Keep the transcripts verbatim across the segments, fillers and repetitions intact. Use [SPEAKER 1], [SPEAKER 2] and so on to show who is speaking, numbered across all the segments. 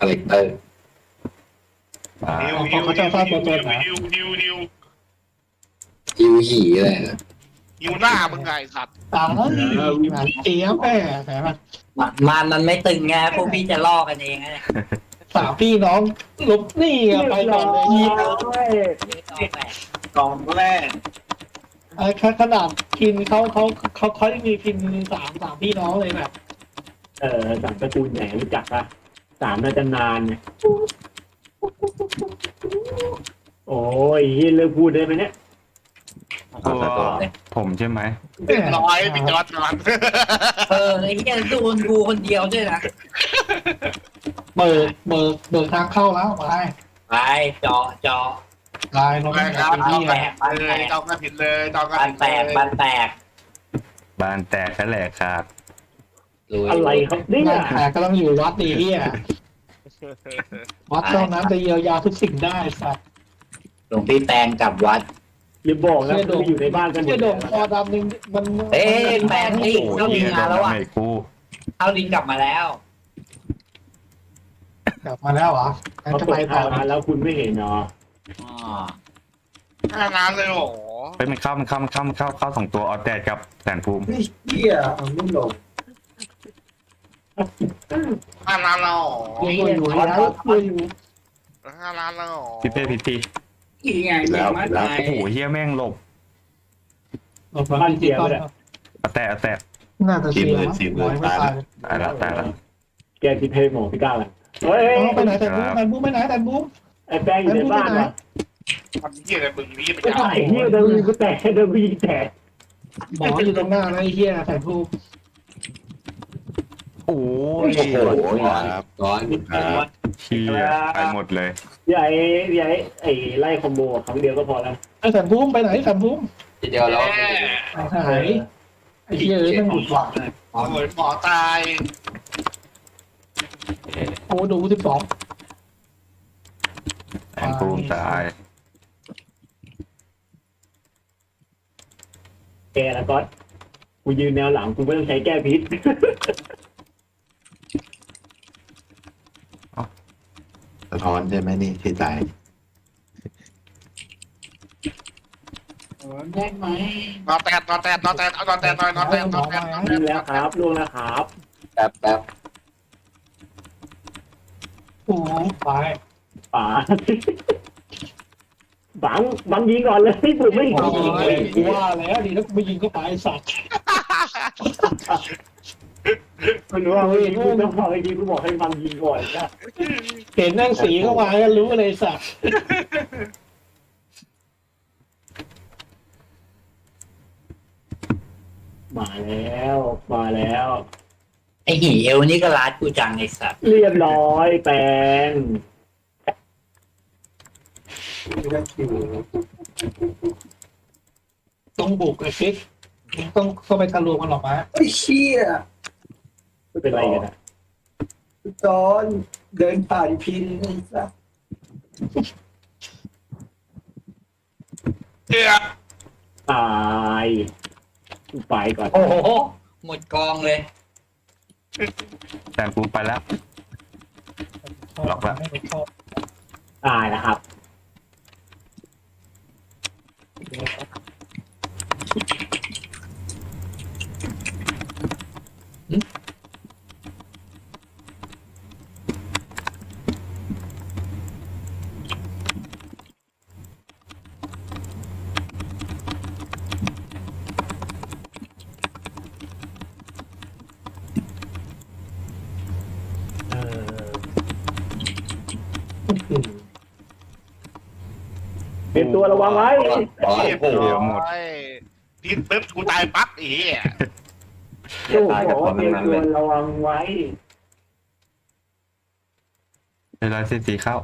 [SPEAKER 1] าแรคเตอร์
[SPEAKER 2] ฮิว
[SPEAKER 3] เขา
[SPEAKER 2] ฮิว
[SPEAKER 3] เขาจะสร้างตัวตนนะ
[SPEAKER 2] ฮิวฮิวฮิว
[SPEAKER 1] ฮิวหีอะไรนะ
[SPEAKER 2] ฮิวหน้ามึงไงสัตว์
[SPEAKER 3] ตายหวานเจี๊ยบแม่แต่ว่า
[SPEAKER 4] มันมันมันไม่ตึงไงพวกพี่จะล่อกันเองไง
[SPEAKER 3] สามพี่น้องลบนี่อะไปก่อนเลยยิบ
[SPEAKER 4] กองแรก
[SPEAKER 3] ไอ้ขนาดพินเขาเขาเขาเขายังมีพินสามสามพี่น้องเลยแบบ
[SPEAKER 5] เออสามตระกูลไหนรู้จักปะสามน่าจะนานเนี่ยโอ้ยเลิกพูดได้ไหมเนี่ย
[SPEAKER 6] ตัวผมใช่ไหม
[SPEAKER 2] เรียบร้อยพี่จอร์ดนอน
[SPEAKER 4] เออไอ้เหี้ยโดนกูคนเดียวด้วยนะ
[SPEAKER 3] เบิกเบิกเบิกทางเข้าแล้วไป
[SPEAKER 4] ไปเจาะเจาะ
[SPEAKER 3] ลายเรา
[SPEAKER 2] ไป
[SPEAKER 3] ไม่
[SPEAKER 2] ครับ
[SPEAKER 3] เป็น
[SPEAKER 2] จอ
[SPEAKER 3] ที่
[SPEAKER 2] ง
[SPEAKER 3] แห
[SPEAKER 2] กัน
[SPEAKER 3] ละ
[SPEAKER 2] เลยจองกันผิดเลยจองกัน
[SPEAKER 4] บ้าน
[SPEAKER 2] ผิด
[SPEAKER 4] แตก
[SPEAKER 2] เลย
[SPEAKER 4] บ้านแตก
[SPEAKER 6] บ้านแตกแค่แหลกขาด
[SPEAKER 1] ลุย
[SPEAKER 5] อะไรครับเนี่ย
[SPEAKER 3] แต่ก็ต้องอยู่วัดดีเฮียวัดเท่านั้นจะเยียวยาทุกสิ่งได้สัตว์
[SPEAKER 4] หลวงพี่แปลงกลับวัด
[SPEAKER 5] อย่าบอกนะคุณอยู่ในบ้านกันหม
[SPEAKER 3] เชี่ย
[SPEAKER 5] ด
[SPEAKER 3] โด
[SPEAKER 5] เล
[SPEAKER 3] ง
[SPEAKER 5] ย
[SPEAKER 3] คอดำนึงมัน
[SPEAKER 4] เอ้ยแปลงนี่
[SPEAKER 6] โอ้
[SPEAKER 4] เข้าดิ
[SPEAKER 6] เฮี
[SPEAKER 4] น
[SPEAKER 6] ยโด
[SPEAKER 4] มาน แล้ว
[SPEAKER 6] ดา
[SPEAKER 4] อ่ะ
[SPEAKER 6] เมจกู
[SPEAKER 4] เข้าดินกลับมาแล้ว
[SPEAKER 3] กลับมาแล้วเหรองั้น
[SPEAKER 5] เขา
[SPEAKER 3] จะ
[SPEAKER 5] เปิ
[SPEAKER 3] ไป
[SPEAKER 5] ด
[SPEAKER 3] ต่อ
[SPEAKER 5] ทางมาแล้วคุณไม่เห็นเนาะ
[SPEAKER 4] อ๋อ
[SPEAKER 2] ห้าน้ำเลยโอ้โห
[SPEAKER 6] ไปมันเข้ามันเข้ามันเข้ามันเข้าเข้าสองตัวออแตกกับแสนภูมิ
[SPEAKER 1] เฮียเอาไม่ลง
[SPEAKER 2] ห้าน้ำแล้ว
[SPEAKER 3] อยู่อยู่แล้วอยู่อยู่
[SPEAKER 2] ห้าน้ำแล้ว
[SPEAKER 6] พี่เป้พี่ตี
[SPEAKER 4] อีไง
[SPEAKER 1] แล้วแล้ว
[SPEAKER 6] โอ้โหเฮียแม่งหลบ
[SPEAKER 3] หลบมาที่ต้น
[SPEAKER 6] ออแตกออแตก
[SPEAKER 3] น่าจะเสียร้อยไม่ตาย
[SPEAKER 6] ตายละตายละ
[SPEAKER 5] แกที่เพย์หมอพี่ก้าวเลยเฮ้ย
[SPEAKER 3] ไปไหนแต่บูมแต่บูมไปไหนแต่บูม
[SPEAKER 5] ไอ้แป้งอยู่ในบ้านว่ะ
[SPEAKER 2] ทำเหี้ยอะไรมึงนี่ไป
[SPEAKER 5] ไอ้
[SPEAKER 2] เอา
[SPEAKER 5] ไอ้เหี้ยเดินวิ่งก็แตกเดินวิ่งแตก
[SPEAKER 3] หมออยู่ตรงหน้าแล้วไอ้เหี้ยแต่บูม
[SPEAKER 6] โอ้ย
[SPEAKER 1] โอ้โหครับร้อนครับ
[SPEAKER 6] เฮียไปหมดเลย
[SPEAKER 5] ใหญ่ใหญ่ไอ้ไล่คอมโบครั้งเดียวก็พอแล้ว
[SPEAKER 3] ไอ้แต่บูมไปไหนแต่บูม
[SPEAKER 1] ทีเดียวแล้ว
[SPEAKER 3] หายไอ้เหี้ยเอ้ยมันหยุดหวัง
[SPEAKER 2] โอ้ยหมอตาย
[SPEAKER 3] โอ้ดูสิบสอง
[SPEAKER 6] แสนภูมิตาย
[SPEAKER 5] แกแล้วก็กูยืนแนวหลังกูไม่ต้องใช้แก้พิษ
[SPEAKER 1] สะท้อนใช่ไหมนี่ที่ตาย
[SPEAKER 4] แยกไหม
[SPEAKER 2] นอนแตดนอนแตดนอนแตดเอานอนแตดหน่อยนอนแตดนอนแตดนอนแต
[SPEAKER 5] ล่ว
[SPEAKER 2] ด
[SPEAKER 5] งแล้วครับล่วงแล้วครับ
[SPEAKER 1] แป๊บแป๊บ
[SPEAKER 3] โอ้ไป
[SPEAKER 5] ป๋าบังบังยิงก่อนเลยผมไม่
[SPEAKER 3] โอ้
[SPEAKER 5] ยิงเลย
[SPEAKER 3] กูว่าแล้วดีแล้วกูไม่ยิงก็ไปสัตว์
[SPEAKER 5] คุณรู้ว่าเมื่อกี้คุณต้องบอกเมื่อกี้คุณบอกให้บังยิงก่อนนะ
[SPEAKER 3] เห็นนั่งสีเข้ามาก็รู้เลยสัตว์
[SPEAKER 5] มาแล้วมาแล้ว
[SPEAKER 4] ไอ้หีเอวนี่ก็รัดกูจังไอ้สัตว์
[SPEAKER 5] เรียบร้อยแปลง
[SPEAKER 3] ต้องบุกไอ้ฟิกต้องเข้าไปทะลวงมันออกมา
[SPEAKER 1] ไอ้เชี่ย
[SPEAKER 5] ไม่เป็นไรกันนะ
[SPEAKER 1] ตอนเดินผ่านพินไอ้สัส
[SPEAKER 2] เหี้ย
[SPEAKER 5] ตายไปก่อน
[SPEAKER 4] โอ้โหหมดกองเลย
[SPEAKER 6] แสนภูมิไปแล้ว ล็อกละ
[SPEAKER 5] ตายนะครับ
[SPEAKER 3] เออ
[SPEAKER 5] เป็นตัวระวังไว้
[SPEAKER 1] ร้อน
[SPEAKER 2] เรียบ
[SPEAKER 1] โอ้โห
[SPEAKER 2] ร้อยพิษปึ๊บกูตายปั๊บอีเหี้ย
[SPEAKER 5] โอ้โหเป็นตัวระวังไว้
[SPEAKER 6] เวลาสิสีเข้า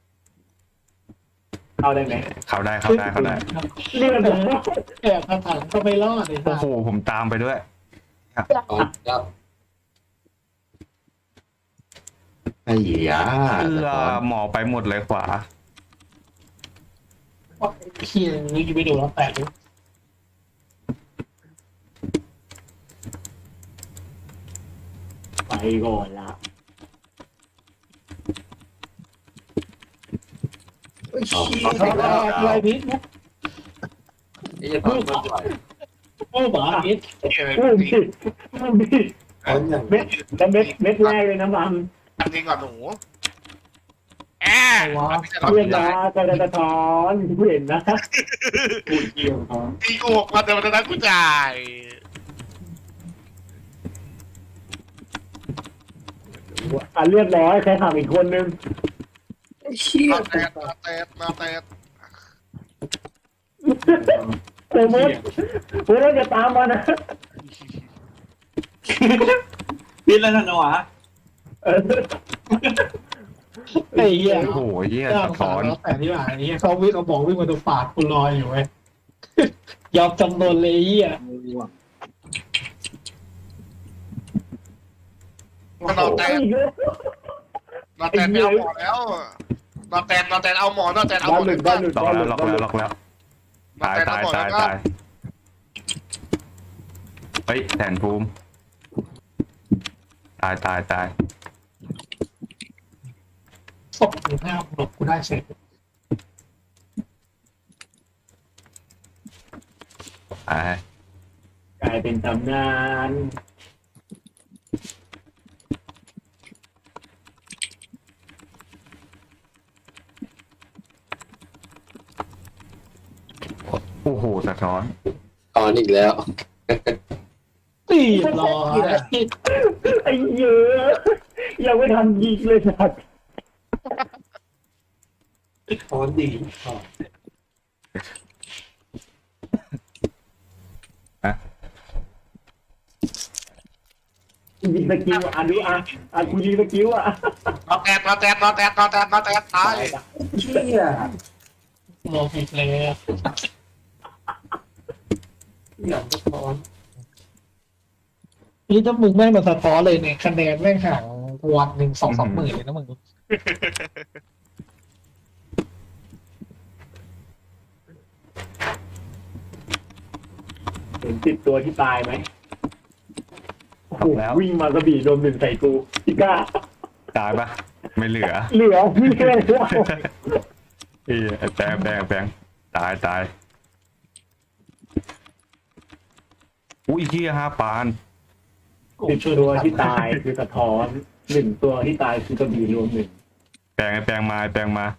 [SPEAKER 5] เอาได้ไหม
[SPEAKER 6] เข้าได้เข้าได้เข้าได้
[SPEAKER 5] เรียบร้อย
[SPEAKER 3] แอบกระถังก็ไม่รอดเลย
[SPEAKER 6] โอ้โหผมตามไปด้วย
[SPEAKER 1] ร้อนแล้วไอ้ยา
[SPEAKER 6] เอื้
[SPEAKER 1] สะ
[SPEAKER 6] อ
[SPEAKER 1] ท้อน
[SPEAKER 6] หมอไปหมดเลยขวา
[SPEAKER 3] เฮียนี่ไปดูแล้วแตกเลย
[SPEAKER 5] ไปก่อนละ
[SPEAKER 1] ไอ้เหี้ย
[SPEAKER 3] อะไรพิษมุก
[SPEAKER 4] ไอ้เหี้ยความมันไหว
[SPEAKER 3] โอ้หมาพิษ
[SPEAKER 2] เหี้ย
[SPEAKER 5] อุ้มดิอุ้มดิ
[SPEAKER 1] ถอนอย่าง
[SPEAKER 5] เม็ดแล้วเม็ดเม็ดแรกเลยนะบัง
[SPEAKER 2] อันนี้ก่อนหนูแอะ
[SPEAKER 3] ว้า
[SPEAKER 5] เพื่อนนะกระดาษทอนกูเห็นนะ
[SPEAKER 1] กูเกี่ยวถอน
[SPEAKER 2] ตีกูหกพันแต่วันนั้นกูจ่าย
[SPEAKER 5] อ่ะเรียบร้อยใครถามอีกคนนึง
[SPEAKER 1] ไอ้เหี้ย
[SPEAKER 2] นอแตดนอแตดนอแตด
[SPEAKER 5] เตมดเพื่อนจะตามมานะ
[SPEAKER 4] พิษแล้วนะวะ
[SPEAKER 5] เออ
[SPEAKER 3] ไอ้เหี้ย
[SPEAKER 6] โอ้โหเหี้ย
[SPEAKER 3] เจ้า
[SPEAKER 6] สะ
[SPEAKER 3] สา
[SPEAKER 6] ท้อ
[SPEAKER 3] วน แล้วแต่ที่ว่าไอ้เหี้ยเขาวิ่งเขาบอกวิ่งมาตรงปากกูลอยอยู่เว้ยยอมจำนนเลยไอ้เหี้ย
[SPEAKER 2] มันนอแตด
[SPEAKER 5] อีกแล้ว
[SPEAKER 2] นอแตดไม่เอาหมอแล้วนอแตดนอแตดเอาหมอนอแตดเอาห
[SPEAKER 5] บ้าม
[SPEAKER 2] อน
[SPEAKER 5] หลุดบ้านหลุด
[SPEAKER 6] ล็อก
[SPEAKER 5] บ้านห
[SPEAKER 6] แล้
[SPEAKER 5] ลุ
[SPEAKER 6] ว
[SPEAKER 5] ด
[SPEAKER 6] ล็อก
[SPEAKER 5] บ้านห
[SPEAKER 6] แล้
[SPEAKER 5] ลุ
[SPEAKER 6] ว
[SPEAKER 5] ด
[SPEAKER 6] ล็อกแล้วตายตายตายตายเฮ้ยแทนภูมิตายตายตาย
[SPEAKER 3] ศพอยู่หน้าหลบกูได้เสร็จ
[SPEAKER 6] ตาย
[SPEAKER 5] กลายเป็นตำนาน
[SPEAKER 6] โอ้โหสะท้อน
[SPEAKER 1] ถอนอีกแล้ว
[SPEAKER 3] ตีรอ
[SPEAKER 5] ไอ้เยอะยังไม่ทันยิงเลยสัตว์
[SPEAKER 1] ถอนดีถอน
[SPEAKER 5] ยิงสกิลอ่ะดูอ่ะอ่ะกูยิงสกิลอ่ะ
[SPEAKER 2] นอแตดนอแตดนอแตดนอแตดนอแตดตาย
[SPEAKER 1] เหี้ย
[SPEAKER 3] ลงอีกแล้ว
[SPEAKER 1] อย่างสะท้อน
[SPEAKER 3] นี่ถ้ามึงแม่งมาสะท้อนเลยเนี่ยคะแนนแม่งห่างวันหนึ่งสองสามหมื่นเลยนะมึง
[SPEAKER 5] เห็นติดตัวที่ตายไหมโอ้โห
[SPEAKER 6] แล้ว
[SPEAKER 5] วิ่งมากระบี่โดนหนึ่งใส่กูพี่ก้า
[SPEAKER 6] ตายปะไม่เหลือ
[SPEAKER 5] เหลือพี่แค่แล้ว
[SPEAKER 6] เอ้ยแปลงแปลงแปลงตายตายอุ้ยเหี้ยห้าปาน
[SPEAKER 5] ติดตัวที่ตายคือสะท้อนหนึ่งตัวที่ตายคือกระบี่รวมหนึ่ง
[SPEAKER 6] แปลงไอ้แปลงมาไอ้แปลงมา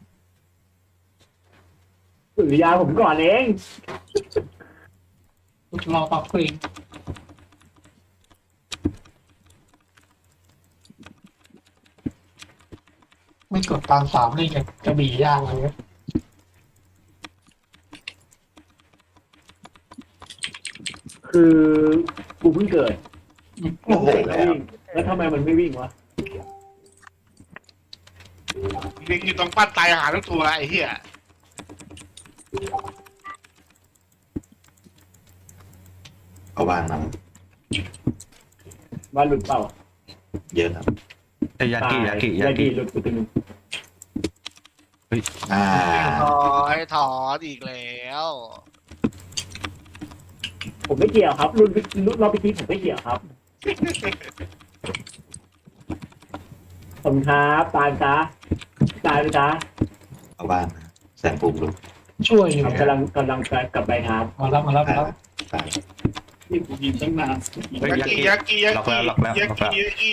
[SPEAKER 5] สุริยาผมก่อนเอง
[SPEAKER 3] รอปรับเพลงไม่กดตามสามนี่ไงกระบี่ย่างเลย
[SPEAKER 5] คือกูเพิ่งเกิด
[SPEAKER 1] โอ้โห
[SPEAKER 5] แล้ววิ่งแล้วทำไมมันไม่วิ่งวะ
[SPEAKER 2] ลิงอยู่ตรงปั้นตายหาทุกตัวไอ้เหี้ย
[SPEAKER 7] เอาบ้านมา
[SPEAKER 5] ว่าหลุดเปล่า
[SPEAKER 7] เยอะครับ
[SPEAKER 6] ไอ้ยากิยากิ
[SPEAKER 5] ยาย
[SPEAKER 6] า
[SPEAKER 5] กิ
[SPEAKER 6] กิ
[SPEAKER 5] หลุดกูตึง
[SPEAKER 7] อ่า
[SPEAKER 2] ถอยถอนอีกแล้ว
[SPEAKER 5] ผมไม่เกี่ยวครับรุ่นรุ่นรอบพิธีผมไม่เกี่ยวครับผมครับตายจ้าตายไปจ้า
[SPEAKER 7] เอาบ้านมาแสนปุ่มลุก
[SPEAKER 3] ช่วยอยู่
[SPEAKER 5] กำลังกำลังกลับไปครับ
[SPEAKER 3] มาแล้วมาแล้วมาแล้ว
[SPEAKER 7] ตาย
[SPEAKER 5] นี่ผมยิงตั้งนาน
[SPEAKER 6] เฮ้ย
[SPEAKER 2] ยาย
[SPEAKER 6] า
[SPEAKER 2] กิ
[SPEAKER 6] กิ
[SPEAKER 2] ยากิยา
[SPEAKER 6] ล็อก
[SPEAKER 2] กิ
[SPEAKER 6] แล้วล็อกแล้ว
[SPEAKER 2] ยา
[SPEAKER 6] ล็อก
[SPEAKER 2] กิ
[SPEAKER 6] แล้ว
[SPEAKER 2] ยากิ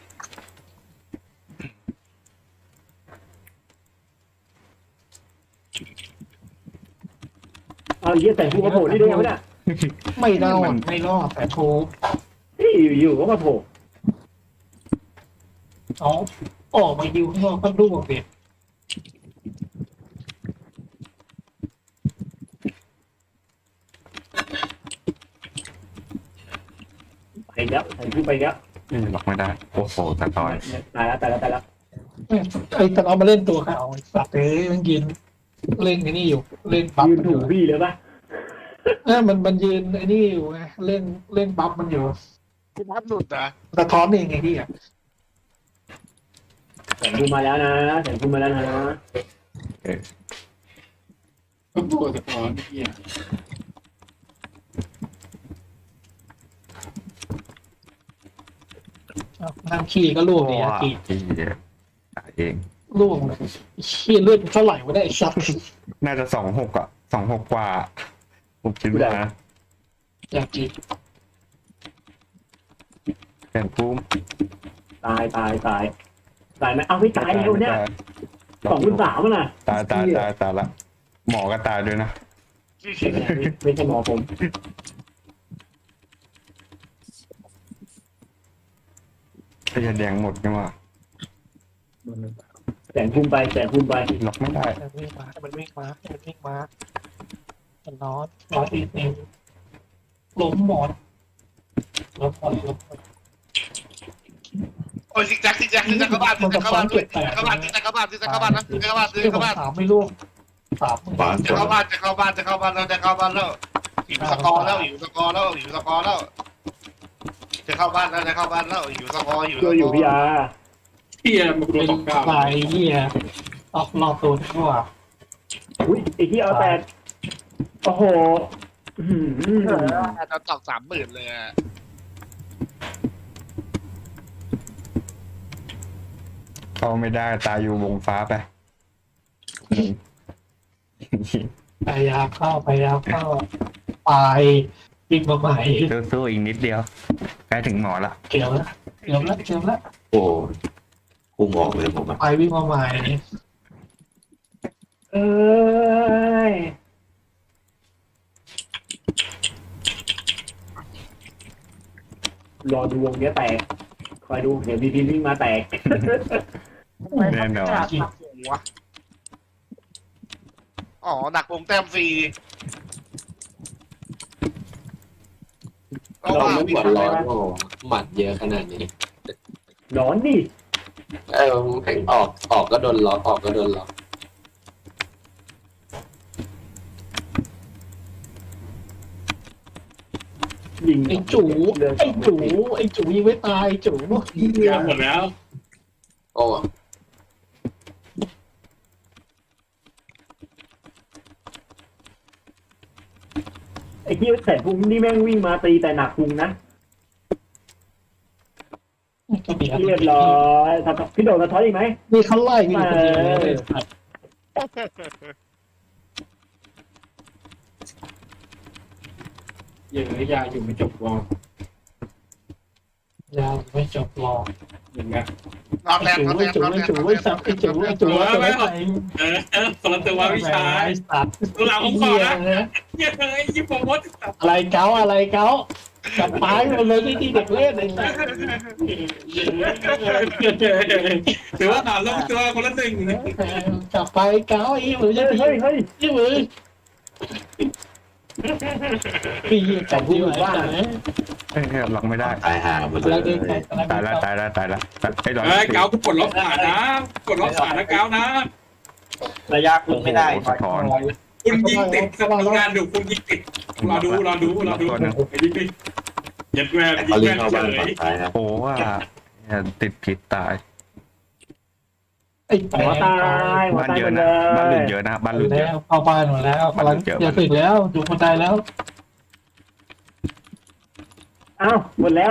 [SPEAKER 5] เอาเยี่ยแต่ผู้กระโผล่ที่ได้ไงวะเนี่ย
[SPEAKER 3] ไม่รอดไม่รอดแต่โชว์
[SPEAKER 5] ที่อยู่ๆก็มาโผล่
[SPEAKER 3] เอาออกมายิวข้างนอกก็ร่วงเด็ด
[SPEAKER 5] ไปแล้วใส่ผู้ไปแล้ว
[SPEAKER 6] นี่ล็อกไม่ได้ โอ้โหสะท้อน
[SPEAKER 5] ตายแล้วตายแล้วตายแล้ว
[SPEAKER 3] ไอ้ตอนเอามาเล่นตัวเขาไอ้สัตว์เอ้ยมันยืนเล่นไอ้นี่อยู่เล่นบัฟ
[SPEAKER 5] ยืน
[SPEAKER 3] มันอ
[SPEAKER 5] ถู
[SPEAKER 3] ยู่
[SPEAKER 5] กพี่เลยปะ
[SPEAKER 3] เออมันมันยืนไอ้นี่อยู่ไงเล่นเล่นบัฟมันอยู่
[SPEAKER 2] กูพัดหลุดนะ
[SPEAKER 3] สะท้อนเองไงที่อ่ะ
[SPEAKER 5] แสงผู้มาแล้วนะแสงผู้มาแล้วนะ
[SPEAKER 1] ก็ตัวสะท้อนเหี้ย
[SPEAKER 3] เอานั่งขี่ก็ร่วง
[SPEAKER 6] โอ้
[SPEAKER 3] เนี่ย
[SPEAKER 6] ย
[SPEAKER 3] ขี่
[SPEAKER 6] เหี้ยตายเอง
[SPEAKER 3] ล่วงเลยเชี่ยเลือดเท่าไหร่วะเนี่ยไอ้สัตว์
[SPEAKER 6] น่าจะสองหกอ่ะสองหกกว่า ผมคิดว่านะ
[SPEAKER 3] อยากกิน
[SPEAKER 6] แสนภูมิ
[SPEAKER 5] ตายตายตายตายไหมเอาไม่ตายแล้วเนี่ยสองพันสามน่ะ
[SPEAKER 6] ตายตายตายตายละหมอก็ตายด้วยนะ
[SPEAKER 5] ไม่ใช่หมอผม
[SPEAKER 6] ไอ้ยาแดงหมดนี่ว่า
[SPEAKER 5] แสนภูมิไปแสนภูมิไป
[SPEAKER 6] ล็อกไม่ได้
[SPEAKER 3] มันวิ่งมามันวิ่งมามันวิ่งมามันนอนนอนอีกเองล้มหมอนล้มหมอนล้มหมอน
[SPEAKER 2] โอ้ยซิกแซกซิกแซกซิกแซกเข้าบ้านซิกแซกเข้าบ้านซิกแซกเข้าบ้านซิกแซกเข้าบ้านซิกแซกเข้าบ้านนะซิกแซกเข้าบ้านซิกแซกเข้าบ้าน
[SPEAKER 3] สามไม่ล่วงสาม
[SPEAKER 7] ขวา
[SPEAKER 2] จะเข้าบ้านจะเข้าบ้านจะเข้าบ้านแล้วจะเข้าบ้านแล้วอยู่สกอร์แล้วอยู่สกอร์แล้วอยู่สกอร์แล้วจะเข้าบ้านแล้วจะเข้าบ้านแล้วอยู่สกอร์อยู่
[SPEAKER 5] ช่วยอยู่พี่อา
[SPEAKER 4] เฮียมันโด
[SPEAKER 3] เป็น น
[SPEAKER 4] ตกกลาง
[SPEAKER 3] ลายเหี้ยออกนอกตัวดีกว่า
[SPEAKER 5] อุ้ยไอ้ที่เอาแต่โอ้โห
[SPEAKER 2] จะตอกสามหมื่นเลยอะ
[SPEAKER 6] เข้าไม่ได้ตายอยู่วงฟ้าไป
[SPEAKER 3] พยายามเข้าพยายามเข้าไปวิ่งมาใหม่
[SPEAKER 6] สู้ๆอีกนิดเดียวใกล้ถึงหมอละ
[SPEAKER 3] เกี่ยวแล้วเกี่ยวแล้วเกี่ยวแล้ว
[SPEAKER 7] โอ้พุ่งออกเลยผมอะ
[SPEAKER 3] ไปวิ่งมาใหม่
[SPEAKER 5] เอ้ยรอดูวงเนี้ยแตกคอยดูเดี๋ยวบีพีวิ่งมาแตก
[SPEAKER 6] แน่นอน
[SPEAKER 2] หัวอ๋อหนักวงแต้มฟรีก็
[SPEAKER 5] เรา
[SPEAKER 2] ว่า
[SPEAKER 5] ไม่
[SPEAKER 2] วิ่
[SPEAKER 5] ห
[SPEAKER 2] ง
[SPEAKER 5] วั่นร้อนโอ้
[SPEAKER 8] หมัดเยอะขนาดนี้
[SPEAKER 5] ร้อนดิ
[SPEAKER 8] เออแม่งออกออกก็โดนล็อกออกก็โดนล็อก
[SPEAKER 5] ยิง
[SPEAKER 3] ไอ้จูไอ้จูไอ้จูยังไม่ตายไอ้จู
[SPEAKER 4] ยาหมดแล้ว
[SPEAKER 8] โอ้
[SPEAKER 5] ไอ้ที่แสนพุงนี่แม่งวิ่งมาตีแต่หนักพุงนะเรียบร้อยพี่โดดกระท้อนอีกไหม
[SPEAKER 3] นี่เขาไล่กันอยู่คนเดียวเลย
[SPEAKER 4] เยอะยาอยู่ไม่จบวอล
[SPEAKER 3] ยาวไม่จบหรอก
[SPEAKER 4] อย่างเงี้ย
[SPEAKER 2] นอนแร
[SPEAKER 3] ไอ้
[SPEAKER 2] ง
[SPEAKER 3] จู
[SPEAKER 2] นอนแร
[SPEAKER 3] ไอ้
[SPEAKER 2] ง
[SPEAKER 3] จู
[SPEAKER 2] นอน
[SPEAKER 3] ไอ้
[SPEAKER 2] แร
[SPEAKER 3] จู
[SPEAKER 2] ง
[SPEAKER 3] ไอ้สัตว์ไอ้จูไอ้จูไอ้จูไอ้จูไอ้
[SPEAKER 4] เออคนละตัววิชา
[SPEAKER 3] ไอ้สัตว์
[SPEAKER 4] ตัวหลังผมขอนะ
[SPEAKER 3] เหี้ย
[SPEAKER 4] เหี้ยเฮ้ยยิบผมมด
[SPEAKER 3] อะไรเก้าอะไรเก้าจับปลายหมดเลยที่ที่เด็กเล่นไอ้สัตว์
[SPEAKER 4] ถือว่าหาลงตัวคนละหนึ่ง
[SPEAKER 3] จับไปเก้าไอ้มือจะ
[SPEAKER 5] เฮ้ย
[SPEAKER 3] ตี
[SPEAKER 5] เฮ้ยเฮ้ย
[SPEAKER 3] ที่มือปีจับที่ไหนบ้าง
[SPEAKER 6] เอ้ยล็อกไม่ได้
[SPEAKER 7] ตายหาหมดเล
[SPEAKER 3] แล้วเดิน
[SPEAKER 7] ย
[SPEAKER 6] ตายละตายละตายละไอ้ดอก
[SPEAKER 4] เฮ้ยเกากูปลดล็อกขานะปลดล็อกขานะเกานะ
[SPEAKER 1] ระยะคุณไม่ได้
[SPEAKER 6] สะท้อน
[SPEAKER 4] คุณยิงติดกับดูงานดูคุณยิงติดรอดูรอดูรอดูไอ้ดิ๊กยัดแวร์ยิ
[SPEAKER 7] เขา
[SPEAKER 4] ง
[SPEAKER 7] เล่
[SPEAKER 4] แวน ร์
[SPEAKER 7] เข้า
[SPEAKER 4] เฉ
[SPEAKER 7] บ้าน
[SPEAKER 4] ย
[SPEAKER 7] ฝั่งซ้ายครับ
[SPEAKER 6] โอ้ว่าเนี่ยติดผิดตาย
[SPEAKER 3] ไอ้แป
[SPEAKER 5] หัวตายหัว
[SPEAKER 6] บ้าน
[SPEAKER 5] ตาย
[SPEAKER 6] เย
[SPEAKER 5] หม
[SPEAKER 6] อะ
[SPEAKER 5] ดเล
[SPEAKER 6] นะบ้านหลุด
[SPEAKER 5] ย
[SPEAKER 6] เยอะนะบ้านห
[SPEAKER 3] ห
[SPEAKER 6] ลุ
[SPEAKER 3] ลุ
[SPEAKER 6] ด
[SPEAKER 3] ด
[SPEAKER 6] เย
[SPEAKER 3] แล้
[SPEAKER 6] อะ
[SPEAKER 3] วเข้าบ้านหมดแล้วกำลังจะถึงแล้วอยู่คนใดแล้ว
[SPEAKER 5] อ้าวหมดแล้ว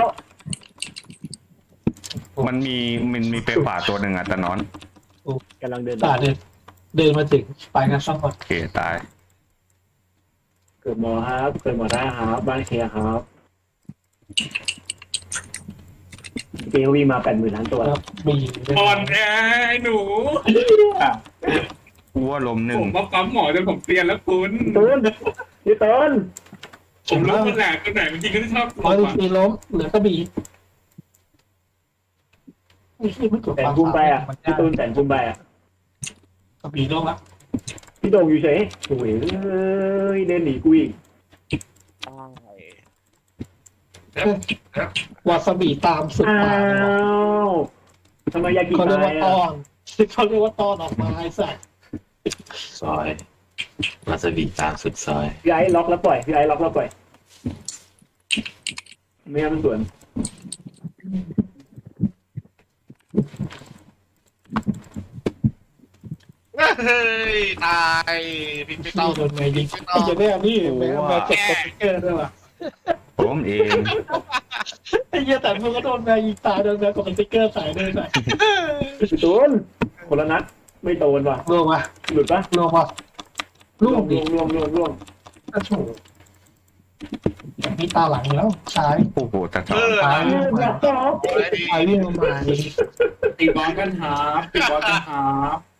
[SPEAKER 6] มันมีมันมีเปรย์ป่าตัวหนึ่งอ่ะแต่นอน
[SPEAKER 5] กำลังเดิน
[SPEAKER 3] ตาเดินเดินมาถึงไปกันสองคน
[SPEAKER 6] โอเคตาย
[SPEAKER 5] เกิดหมอครับเกิดหมอได้ครับบ้านเคลียร์ครับเกลวีมาแปดหมื่นล้านตัว
[SPEAKER 3] แล้วมี
[SPEAKER 4] อ่อนแอไอ้หนู
[SPEAKER 6] วัวลมหนึ่
[SPEAKER 4] ผ
[SPEAKER 6] ง
[SPEAKER 4] มมาปั๊มหมอจนผมเปลี่ยนแล้วคุณ
[SPEAKER 5] ตูนพี่ตูน
[SPEAKER 4] ผมรู้คนแหลกคนไหนมันจริงก็ชอบ
[SPEAKER 3] ร้อยมีล้มเหลือก็มีไอ้ที่ไม่กด
[SPEAKER 5] แสนภูมิไปอ่ะพี่ตูนแสนภูมิไปอ่ะ
[SPEAKER 3] ก็มีล้มละ
[SPEAKER 5] พี่โด่งอยู่เฉยโอ้ยเอ้ยเดินหนีกูอีก
[SPEAKER 3] วาซาบิตามสุด
[SPEAKER 5] อ้า
[SPEAKER 3] ปากเลยวะ
[SPEAKER 5] วทำไมยากิ
[SPEAKER 3] เขาเรียก
[SPEAKER 5] ตา
[SPEAKER 3] ว่าย ต
[SPEAKER 5] อ่ะ
[SPEAKER 3] อนเขาเรียกว่าตอนออกมาไอ้สัส
[SPEAKER 7] ซอยมาสบีตามสุดซอย
[SPEAKER 5] พี่ไอ้ล็อกแล้วปล่อยพี่ไอ้ล็อกแล้วปล่อยไม่งั้นมันสวน
[SPEAKER 2] เฮ้ยตายพี่พี่
[SPEAKER 3] เต้า
[SPEAKER 2] เต้า
[SPEAKER 3] โดนแมยิงไอ้เจ้าเนี่ยนี่แม่แม่เจ็บสติ๊กเกอร์ด้วยว่ะ
[SPEAKER 6] ผมเอง
[SPEAKER 3] ไอ้เหี้ยแต่มึงก็โดนแมยิงตายโดนแมกดสติ๊กเกอร์ใส่ด้วยใส่
[SPEAKER 5] พี่ตูนคนละนัดไม่โดนว่ะ
[SPEAKER 3] ล่วงวะ
[SPEAKER 5] หลุดปะ
[SPEAKER 3] ล่วงวะล่วงดิ
[SPEAKER 5] ล่วงล่วงล่วง
[SPEAKER 3] กระโถมีตาหลังอยู่แล้วชาย
[SPEAKER 6] โอ้โหแต่
[SPEAKER 2] เออ
[SPEAKER 3] ตายวิ่งลงมา
[SPEAKER 2] อะไรดี
[SPEAKER 3] ตายวิ่งลงมาดิ
[SPEAKER 4] ตีบอลกันหาตีบอลกันหา